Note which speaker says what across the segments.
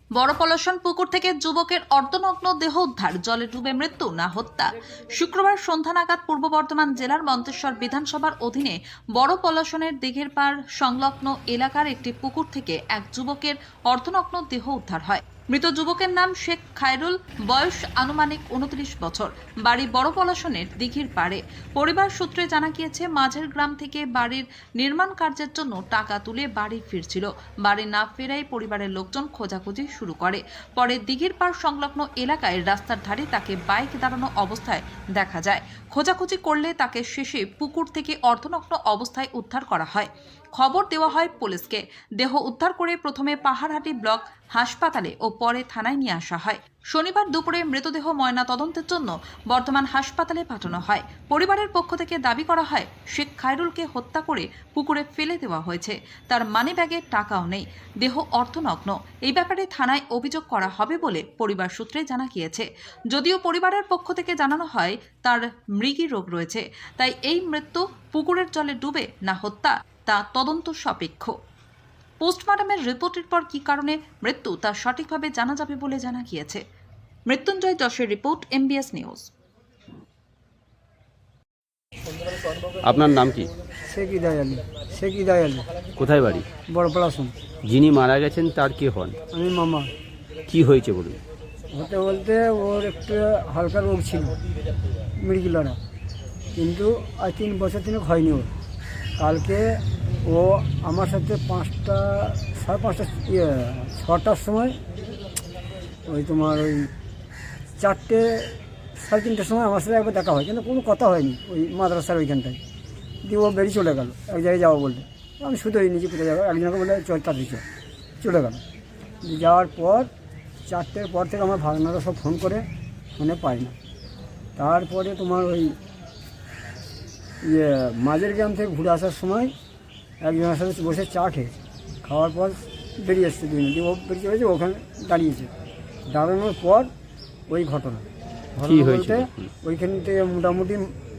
Speaker 1: বড় পলাশন পুকুর থেকে যুবকের অর্ধনগ্ন দেহ উদ্ধার, জলে ডুবে মৃত্যু না হত্যা। শুক্রবার সন্ধ্যা নাগাদ পূর্ব বর্ধমান জেলার মন্তেশ্বর বিধানসভার অধীনে বড় পলাশনের দিঘির পাড় সংলগ্ন এলাকার একটি পুকুর থেকে এক যুবকের অর্ধনগ্ন দেহ উদ্ধার হয়। মৃত যুবকের নাম শেখ খায়রুল, বয়স আনুমানিক 29 বছর, বাড়ি বড় পলাশনের দিঘির পাড়ে। পরিবার সূত্রে জানা গিয়েছে, মাঝের গ্রাম থেকে বাড়ির নির্মাণ কার্যের জন্য টাকা তুলে বাড়ি ফিরছিল। বাড়ি না ফেরায় পরিবারের লোকজন খোঁজাখুঁজি শুরু করে। পরে দিঘির পাড় সংলগ্ন এলাকায় রাস্তার ধারে তাকে বাইক দাঁড়ানো অবস্থায় দেখা যায়। খোঁজাখুঁজি করলে তাকে শেষে পুকুর থেকে অর্ধনগ্ন অবস্থায় উদ্ধার করা হয়। খবর দেওয়া হয় পুলিশকে। দেহ উদ্ধার করে প্রথমে পাহাড়হাটি ব্লক হাসপাতালে ও পরে থানায় নিয়ে আসা হয়। শনিবার দুপুরে মৃতদেহ ময়না তদন্তের জন্য বর্ধমান হাসপাতালে পাঠানো হয়। পরিবারের পক্ষ থেকে দাবি করা হয়, শেখ খায়রুলকে হত্যা করে পুকুরে ফেলে দেওয়া হয়েছে। তার মানিব্যাগে টাকাও নেই, দেহ অর্ধনগ্ন। এই ব্যাপারে থানায় অভিযোগ করা হবে বলে পরিবার সূত্রে জানা গিয়েছে। যদিও পরিবারের পক্ষ থেকে জানানো হয় তার মৃগী রোগ রয়েছে, তাই এই মৃত্যু পুকুরের জলে ডুবে না হত্যা তা তদন্ত সাপেক্ষ। পোস্টমর্টমের রিপোর্টের পর কী কারণে মৃত্যু তা সঠিকভাবে জানা যাবে বলে জানা গিয়েছে। মৃত্যুঞ্জয় যশের রিপোর্ট, MBS নিউজ।
Speaker 2: আপনার নাম কি?
Speaker 3: শেখ ইদায় আলী।
Speaker 2: কোথায় বাড়ি?
Speaker 3: বড় পলাশন।
Speaker 2: যিনি মারা গেছেন তার কে হন?
Speaker 3: আমি মামা।
Speaker 2: কি হয়েছে বলুন?
Speaker 3: হতে বলতে ওর একটু হালকা রোগ ছিল, মৃগিলরা, কিন্তু আজ 3 বছর তিনেক হয়নি ওর। কালকে ও আমার সাথে 6টার সময় ওই তোমার ওই 4টে সাড়ে 3টের সময় আমার সাথে একবার দেখা হয়, কিন্তু কোনো কথা হয়নি ওই মাদ্রাসার ওইখানটায়। দিয়ে ও বেরিয়ে চলে গেল এক জায়গায় যাবো বলতে। আমি শুধুই নিজে কোথায় যাবো, একজনকে বলে তাড়াতাড়ি চলে গেল। যাওয়ার পর 4টের পর থেকে আমার ভাগনারা সব ফোন করে, ফোনে পাই না। তারপরে তোমার ওই মাঝের গ্রাম থেকে ঘুরে আসার সময় একজনের সাথে বসে চা খেয়েছে। খাওয়ার পর বেরিয়ে এসছে 2 মিনিট, ও বেরিয়ে চলেছে, ওখানে দাঁড়িয়েছে। দাঁড়ানোর পর ওই ঘটনা বলতে ওইখান থেকে মোটামুটি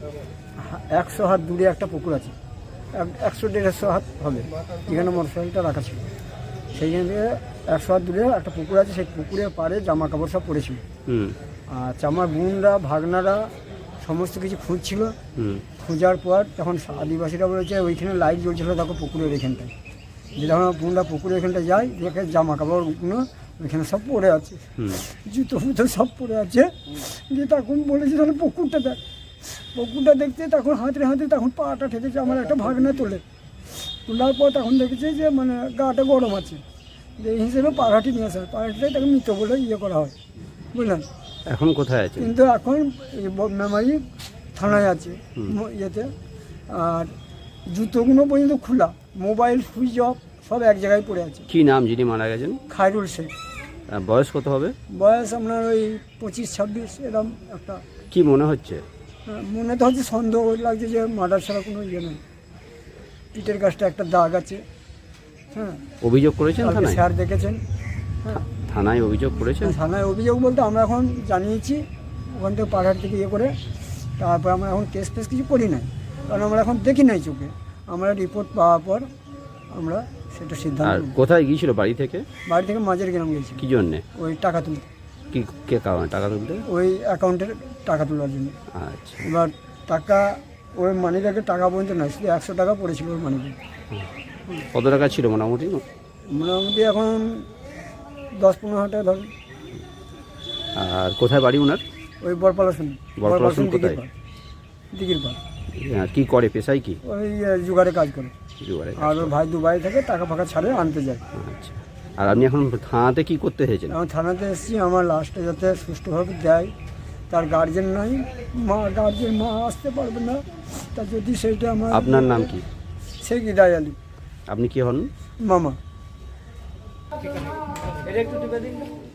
Speaker 3: 100 হাত দূরে একটা পুকুর আছে, 100-150 হাত হবে, যেখানে মোটরসাইকেলটা রাখা ছিল। সেইখান থেকে 100 হাত দূরে একটা পুকুর আছে, সেই পুকুরের পাড়ে জামা কাপড় সব পড়েছিল। আচ্ছা, আমার বোনরা ভাগনারা সমস্ত কিছু খুঁজছিল। খোঁজার পর তখন আদিবাসীরা বলেছে ওইখানে লাইট জ্বলছিল, দেখো পুকুরের এখানটায়। যে যখন বোনরা পুকুরের এখানটায় যায়, দেখে জামা কাপড়গুলো ওইখানে সব পড়ে আছে, জুতো ফুতো সব পড়ে আছে। দিয়ে তখন বলেছে তাহলে পুকুরটা দেখ। পুকুরটা দেখতে তখন হাতে তখন পাটা ঠেকেছে আমার একটা ভাগনা তোলার পর তখন দেখেছে যে মানে গাটা গরম আছে, যে এই হিসেবে পাড়াটি নিয়ে আসা হয়। পাড়াটিটাই তাকে মৃত বলে করা হয়, বুঝলেন।
Speaker 2: এখন কোথায় আছে?
Speaker 3: কিন্তু এখন মেমারি থানায় আছে ইয়েতে। আর জুতোগুলো পর্যন্ত খোলা, মোবাইল সুইচ অফ, সব এক জায়গায় পড়ে আছে।
Speaker 2: কি নাম যিনি মারা গেছেন?
Speaker 3: খায়রুল শেখ।
Speaker 2: বয়স কত হবে?
Speaker 3: বয়স আপনার ওই 25-26 এরকম একটা।
Speaker 2: কি মনে হচ্ছে?
Speaker 3: মনে তো হচ্ছে সন্দেহ লাগছে যে মার্ডার ছাড়া কোনো ইয়ে নেই। পিঠের কাছটা একটা দাগ আছে। হ্যাঁ,
Speaker 2: অভিযোগ করেছেন থানায়?
Speaker 3: স্যার দেখেছেন। হ্যাঁ,
Speaker 2: থানায় অভিযোগ করেছেন?
Speaker 3: থানায় অভিযোগ বলতে আমরা এখন জানিয়েছি ওখান থেকে পাহাড় থেকে ইয়ে করে। তারপর আমরা এখন কেস ফেস কিছু করি নাই, কারণ আমরা এখন দেখি নাই চোখে। আমরা রিপোর্ট পাওয়ার পর আমরা সেটা সিদ্ধান্ত।
Speaker 2: আর কোথায় গিয়েছিল বাড়ি থেকে?
Speaker 3: বাড়ি থেকে মাঝের গ্রাম গেছি।
Speaker 2: কি জন্যে?
Speaker 3: ওই টাকা তুলতে।
Speaker 2: কি কে কারণে টাকা তুলতে?
Speaker 3: ওই অ্যাকাউন্টের টাকা তোলার জন্য।
Speaker 2: আচ্ছা,
Speaker 3: এবার টাকা ওই মানিব্যাগে টাকা পর্যন্ত নয়, শুধু 100 টাকা পড়েছিল ওই মানিব্যাগ।
Speaker 2: কত টাকা ছিল মোটামুটি?
Speaker 3: মোটামুটি এখন 10-15 হাজার টাকা ধরুন।
Speaker 2: আর কোথায় বাড়ি ওনার?
Speaker 3: ওই বড়পলাশন
Speaker 2: কোথায়?
Speaker 3: দিঘির পাড়।
Speaker 2: কি করে, পেশায় কি?
Speaker 3: ওই জোগাড়ে কাজ করে।
Speaker 2: জোগাড়ে।
Speaker 3: আর ওর ভাই দুবাই থেকে টাকা ফাঁকা ছাড়ে আনতে যায়।
Speaker 2: আচ্ছা, আর আপনি এখন থানাতে কি করতে এসেছেন?
Speaker 3: আমি থানাতে এসেছি, আমার লাস্টে যাতে সুষ্ঠুভাবে দেয়। তার গার্জেন নাই, মা আসতে পারবে না, তা যদি সেইটা আমার।
Speaker 2: আপনার নাম কি?
Speaker 3: শেখ ইদায় আলী।
Speaker 2: আপনি কি হন?
Speaker 3: মামা। এটা একটু টিপে দিন।